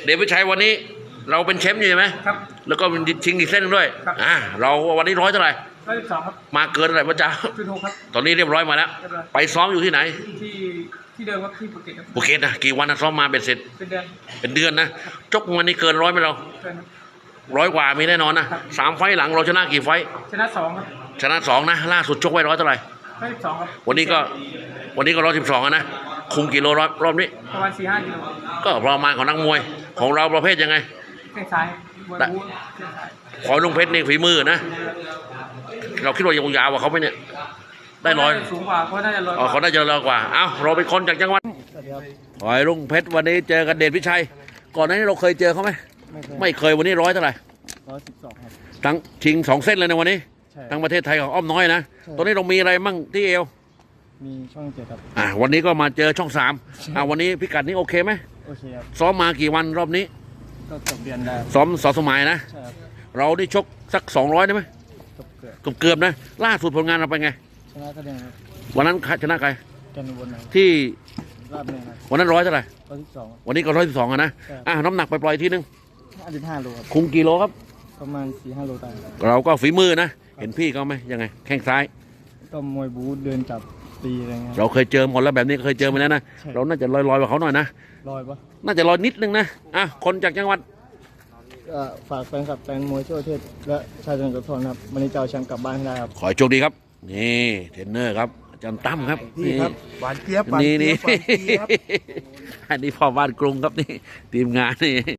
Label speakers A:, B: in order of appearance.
A: เดชวิชัยวันนี้เราเป็นแชมป์อยู่ใช่ไหม
B: ครับ
A: แล้วก็ชิงอีกเส้นหนึ่งด้วยเราวันนี้ร้อยเท่าไหร่
B: 112ครับ
A: มาเกินเท่าไหร่พระเจ้า
B: 106ครับ
A: ตอนนี้เรียบร้อยมาแล้วไปซ้อมอยู่ที่ไหน
B: ที่เดิมครับที่ภูเก็ตครับ
A: ภูเก็ตนะกี่วันนะซ้อมมาเป็นเสร็จเป็นเดือนนะจกวันนี้เกินร้อยไหมเราร้อยกว่ามีแน่นอนนะ3 ไฟล์หลังเราชนะกี่ไฟล์
B: ชนะ2ครับ
A: ชนะ2นะล่าสุดชกไว้ร้อยเท่าไหร่
B: 112ครับ
A: วันนี้ก็112นะคุมกิโลรอบนี้
B: ประมาณ 4-5 กิโล
A: ก็ประมาณของนักมวยของเราประเภทยังไง
B: แข้งซ้ายบนบู๊
A: ขอลุงเพชรนี่ฝีมือนะเราคิดว่ายาวกว่าเขาไหมเนี่ยได้ร้อย
B: สูงกว่าเขาน่าจะร้อย
A: เขาน่าจะร้อยกว่าเอ้าเราเป็นคนจากจังหวัดหอยลุงเพชรวันนี้เจอกันเดชวิชัยก่อนหน้านี้เราเคยเจอเขาไหมไม่เคยวันนี้ร้อยเท่าไหร่
B: 112ครับ
A: ทั้งชิง2 เส้นเลยในวันนี้ทั้งประเทศไทยของอ้อมน้อยนะตอนนี้เรามีอะไรมั่งที่เอว
B: มีช่อง7ครับ
A: วันนี้ก็มาเจอช่อง3วันนี้พิกัดนี้โอเคไหม
B: โอเคครับ
A: ซ้อมมากี่วันรอบนี้
B: ก็เกือบเดือนได้
A: ซ้อมสมัยนะ
B: ใช่ครับ
A: เราได้ชกสัก200ได้ไหมเกือบนะล่าสุดผลงานเราเป็นไง
B: ชนะคะแนนครับ
A: วันนั้นชนะใคร
B: กันบน
A: ที่
B: ราบเนินครับ
A: วันนั้นร้อยเท่าไหร่
B: 112
A: วันนี้ก็112นะน้ำหนักไปปล่อยทีนึง
B: 55 โลครับ
A: คุมกิโลครับ
B: ประมาณ 4-5 โลได้
A: เราก็ฝีมือนะเห็นพี่เขาไหมยังไงแข้งซ้าย
B: ก็มวยบู๊เดินจับตีอะไรเงี้ย
A: เราเคยเจอหมดแล้วแบบนี้เคยเจอมาแล้วนะเราน่าจะลอยกว่าเขาหน่อยนะ
B: ลอยปะ
A: น่าจะลอยนิดนึงนะคนจากจังหวัด
B: ฝากแฟนคลับแฟนมวยทั่วประเทศและชาวจังหวัดสุพรรณครับวันนี้จะเอาแชมป์กลับบ้านได้ครับ
A: ขอโชคดีครับนี่เทรนเนอร์ครับอาจารย์ตั้มครับ
C: นี่ครับหวานเจี๊ยบ
A: นี่อันนี้พ่อบ้านกรุงครับนี่ทีมงานนี่